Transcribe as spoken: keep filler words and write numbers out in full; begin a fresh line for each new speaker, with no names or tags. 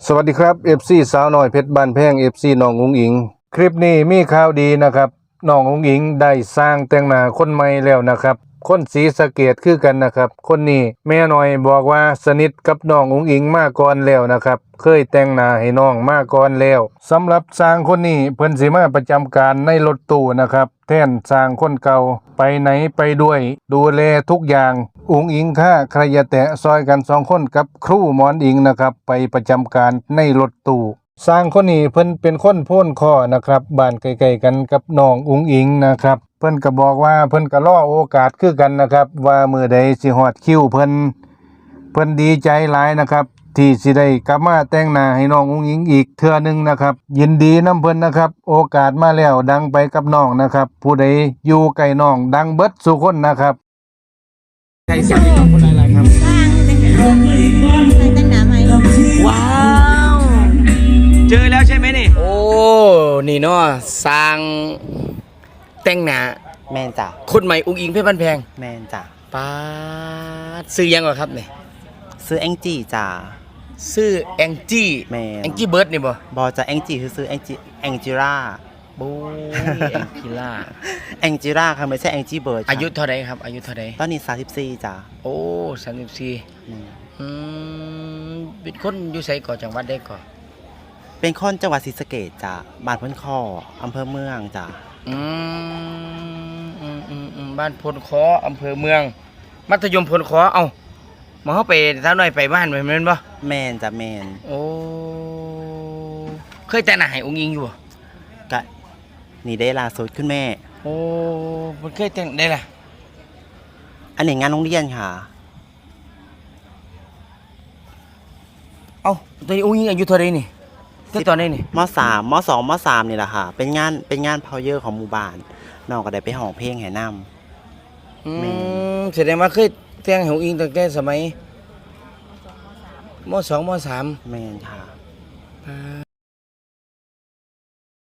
สวัสดีครับ เอฟ ซี สาวน้อยเพชรบ้านแพง เอฟ ซี น้องอุ๋งอิงคลิปนี้มีข่าวดีนะครับน้องอุ๋งอิงได้สร้างแต่งหน้าคนใหม่แล้วนะครับคนศรีสะเกษคือกันนะครับคนนี้แม่น้อยบอกว่าสนิทกับน้องอุ๋งอิงมาก่อนแล้วนะครับเคยแต่งหน้าให้น้องมาก่อนแล้วสำหรับสร้างคนนี้เพิ่นสิมาประจำการในรถตู้นะครับแทนสร้างคนเก่าไปไหนไปด้วยดูแลทุกอย่างอุ๋งอิงค่าใครอย่าแตะซอยกันสองคนกับครูหมอนอิงนะครับไปประจำการในรถตู้สร้างคนนี้เพิ่นเป็นคนโพ้นข้อนะครับบ้านใกล้ๆกันกับน้องอุ๋งอิงนะครับเพิ่นก็บอกว่าเพิ่นก็รอโอกาสคือกันนะครับว่ามื้อใดสิฮอดคิวเพิ่นเพิ่นดีใจหลายนะครับที่สิได้กลับมาแต่งหน้าให้น้องอุ๋งอิงอีกเทื่อนึงนะครับยินดีนำเพิ่นนะครับโอกาสมาแล้วดังไปกับน้องนะครับผู้ใดอยู่ใกล้น้องดังเบิดสุคนนะครับใครสั่งน้องคนอะไรครับ
สร้างแต่งหน้าแต่งหน้าใหม่
ว้าว เจอแล้วใช่ไหมนี่ โอ้ นี่เนาะสร้างแต่งหน้า
แมนจ้ะ
คนใหม่อุ้งอิงเพชรบ้านแพง
แมนจ้ะ
ป้าดซื้อยังก่อนครับเนี่ย
ซื้อแองจี้จ้ะ
ซื้อแองจี้
แมน
แองจี้เบิร์ดนี่บ่
บอจะแองจี้คือซื้อแองจี้แองจิร่า
บูแองจิล่า
แองจิร่าค่ะไม่ใช่แองจี้เบิร์ด
อายุเท่าไรครับอายุเท่าไร
ตอนนี้สามสิบสี่จ้ะ
โอ้สามสิบสี่อืมเป็นคนอยู่ไสก่อจังหวัดได้ก่อ
เป็นคนจังหวัดศรีสะเกษจ้ะบ้านพ้นคออำเภอเมืองจ้ะ
อืมอืมอืมอืมบ้านพลคออำเภอเมืองมัธยมพลคอเอ้ามาเข้าไปสาวน้อยไปบ้านไปแม่นบ่
แมนจ้ะแมน
โอ้เคยแต่งหน้าให้องค์หญิงอยู่บ่
กะนี่ได้ล่าสุดคุณแม่
โอ้มันเคยแต่งได้ล่ะ
อันนี้งานโรงเรียนค่ะ
เอ้าตอนนี้องค์หญิงอายุเท่าไรนี่ที่ตอนนี้นี่
มสามมสองมสามนี่แหละค่ะเป็นงานเป็นงานเพาเยอร์ของหมู่บ้านน้องก็ได้ไปห้องเพลงแห่นำ
อืมแสดงว่าเคยแต่งให้องค์หญิงตั้งแต่สมัยมสองมสาม
แม่นค่ะ